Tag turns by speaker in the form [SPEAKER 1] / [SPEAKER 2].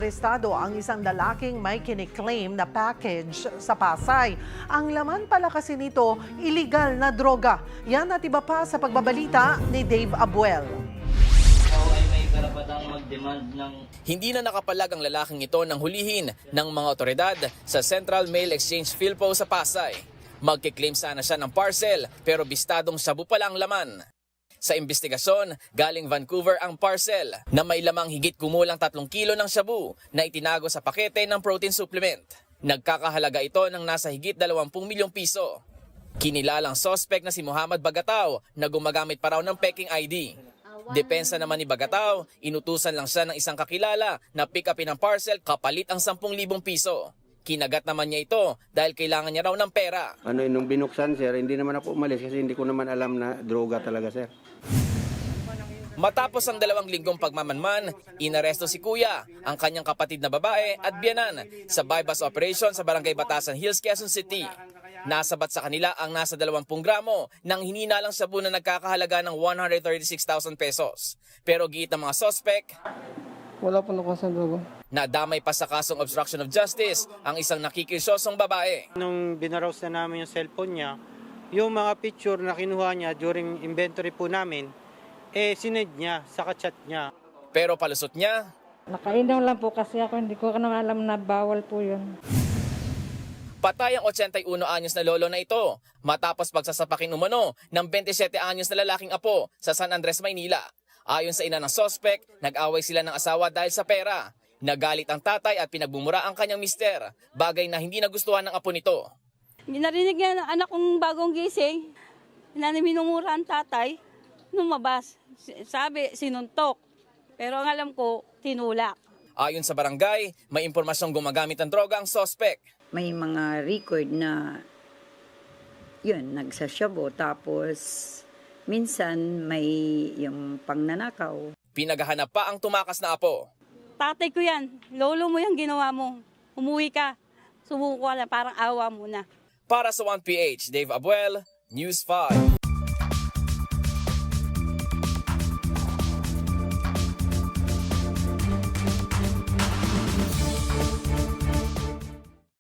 [SPEAKER 1] arestado ang isang lalaking may kiniklaim na package sa Pasay. Ang laman pala kasi nito, illegal na droga. Yan at iba pa sa pagbabalita ni Dave Abuel.
[SPEAKER 2] Hindi na nakapalag ang lalaking ito ng hulihin ng mga otoridad sa Central Mail Exchange Philpo sa Pasay. Magkiklaim sana siya ng parcel pero bistadong shabu pala ang laman. Sa investigasyon, galing Vancouver ang parcel na may lamang higit kumulang 3 kilo ng shabu na itinago sa pakete ng protein supplement. Nagkakahalaga ito ng nasa higit 20 milyong piso. Kinilalang suspect na si Muhammad Bagataw na gumagamit pa raw ng peking ID. Depensa naman ni Bagataw, inutusan lang siya ng isang kakilala na pick upin ang parcel kapalit ang 10,000 piso. Kinagat naman niya ito dahil kailangan niya raw ng pera.
[SPEAKER 3] Nung binuksan, sir, hindi naman ako umalis kasi hindi ko naman alam na droga talaga, sir.
[SPEAKER 2] Matapos ang 2 linggong pagmamanman, inaresto si Kuya, ang kanyang kapatid na babae at biyanan sa bypass operation sa Barangay Batasan Hills, Quezon City. Nasabat sa kanila ang nasa 20 gramo ng hininalang shabu na nagkakahalaga ng 136,000 pesos. Pero giit ng mga sospek,
[SPEAKER 4] wala po nakuha sa droga.
[SPEAKER 2] nadamay pa sa kasong obstruction of justice ang isang nakikisyosong babae.
[SPEAKER 5] Nung binarose na namin yung cellphone niya, yung mga picture na kinuha niya during inventory po namin, sinend niya sa chat niya.
[SPEAKER 2] Pero palusot niya,
[SPEAKER 6] Nakainom lang po kasi ako, hindi ko naman alam na bawal po yun.
[SPEAKER 2] patay ang 81 anyos na lolo na ito matapos pagsasapakin umano ng 27 anyos na lalaking apo sa San Andres, Maynila. Ayon sa ina ng sospek, nag-away sila ng asawa dahil sa pera. Nagalit ang tatay at pinagbumura ang kanyang mister, bagay na hindi nagustuhan ng apo nito.
[SPEAKER 7] Narinig niya ng anak kong bagong gising, na minumura ang tatay, lumabas. Sabi, sinuntok. Pero ang alam ko, tinulak.
[SPEAKER 2] Ayon sa barangay, may impormasyong gumagamit ng droga ang sospek.
[SPEAKER 8] May mga record na yun, nagsasyabu. Tapos minsan may yung pangnanakaw.
[SPEAKER 2] Pinaghahanap pa ang tumakas na apo.
[SPEAKER 7] Tatay ko yan, lolo mo yung ginawa mo. Umuwi ka, sumuko ka na, parang awa mo na.
[SPEAKER 2] Para sa 1PH, Dave Abuel, News 5.